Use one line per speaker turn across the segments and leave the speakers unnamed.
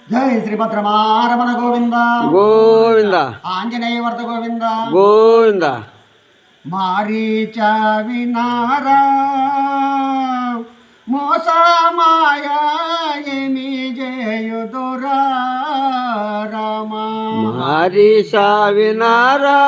జై శ్రీభద్రమారమణ గోవింద
గోవింద
ఆంజనేయ వర్త గోవింద
గోవింద
మారీచ వినారా మోస మాయా ఏమి జయుదురా రామ
మారీచ వినారా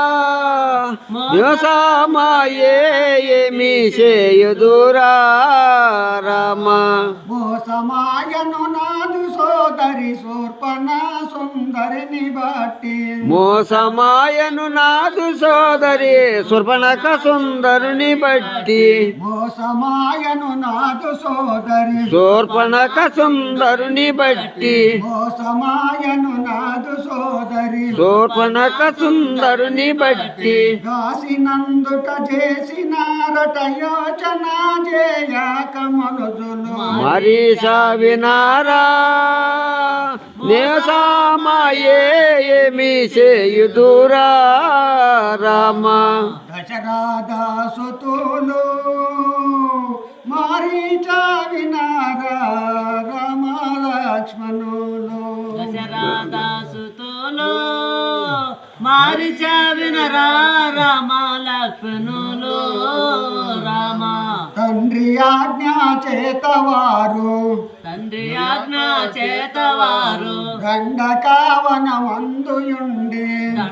మోస మాయే ఏమి చేయుదురా రామ
మోసమాయను నాదు సోదరి శూర్పణ సుందరిని బట్టి
మోసమాయను నాదు సోదరి శూర్పణఖ సుందరుని బట్టి
మోసమాయను నాదు సోదరి
శూర్పణఖ సుందరుని బట్టి
మోసమాయను నాదు సోదరి
శూర్పణఖ సుందరుని బట్టి
కాసినందుట చేసినారట యోచన చేయక మనుజులు
మారీచ వినారా నేసామాయే ఏమి చేయుదురా రామ
దశరథసుతులు మారీచ వినారా రామ లక్ష్మణులు
దశరథసుతులు మారీచ వినరా రామ లక్ష్మణులు రామ
తండ్రి ఆజ్ఞ చేతవారు దండకావనమందుయుండి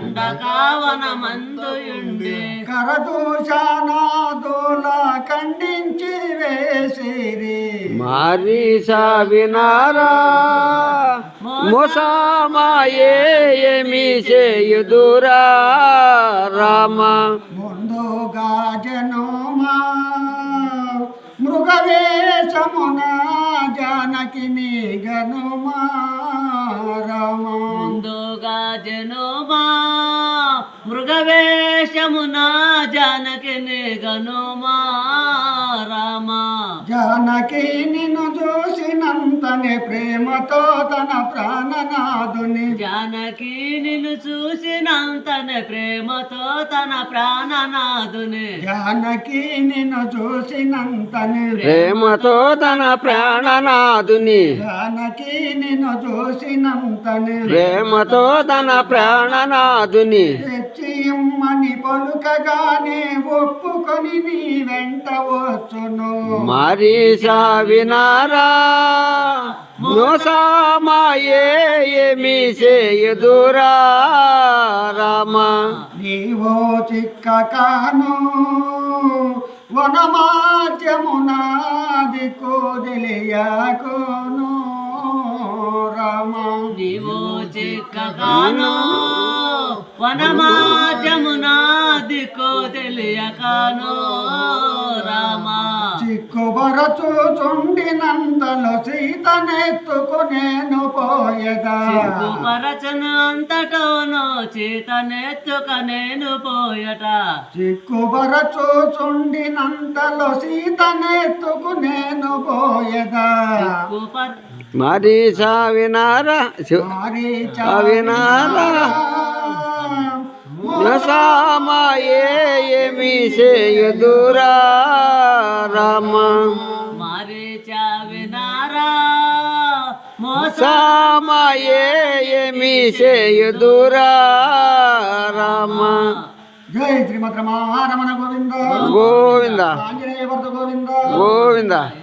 కరదూషణాదుల ఖండించి వేసిరి
మారీచ వినారా మోసమాయే ఏమి చేయుదురా రామ
ముందుగా జనుమా మృగవేషమున జానకిని గనుమా రామ
ముందుగా జనుమా మృగవేషమున జానకిని గనుమా రామ
జానకి నిన్ను చూసినంతనే ప్రేమతో తన ప్రాణనాథుని
జానకి నిన్ను చూసినంతనే ప్రేమతో తన ప్రాణనాథుని
జానకి నిన్ను చూసినంతనే
ప్రేమతో తన ప్రాణనాథుని
జానకి నిన్ను చూసినంతనే
ప్రేమతో తన ప్రాణనాథుని
తెచ్చిమ్మని పలుకగానే ఒప్పుకొని నీ వెంట వచ్చును
మారీచ వినారా మోసమాయే ఏమి చేయుదురా రామ
నీవో చిక్కకాను వనమాధ్యమునాది కోదిలియాకోను రామ
నీవో చిక్కగాను వనమాజమునా దిక్కో తెలియకాను రామ
చిక్కుబరచుచుండినంతలో సీతనెత్తుకునేను పోయదా
పరచను అంతటోను చేతనెత్తుక నేను పోయట
చిక్కుబరచుచుండినంతలో సీతనెత్తుకునేను పోయదా
మారీచ వినారా వినారా మోసమాయే ఏమి చేయుదురా రామ
మారీచ వినారా
మోసమాయే ఏమి చేయుదురా రామ
జై శ్రీమద్రమారమణ గోవింద
గోవింద
ఆంజనేయ వర్త గోవింద
గోవింద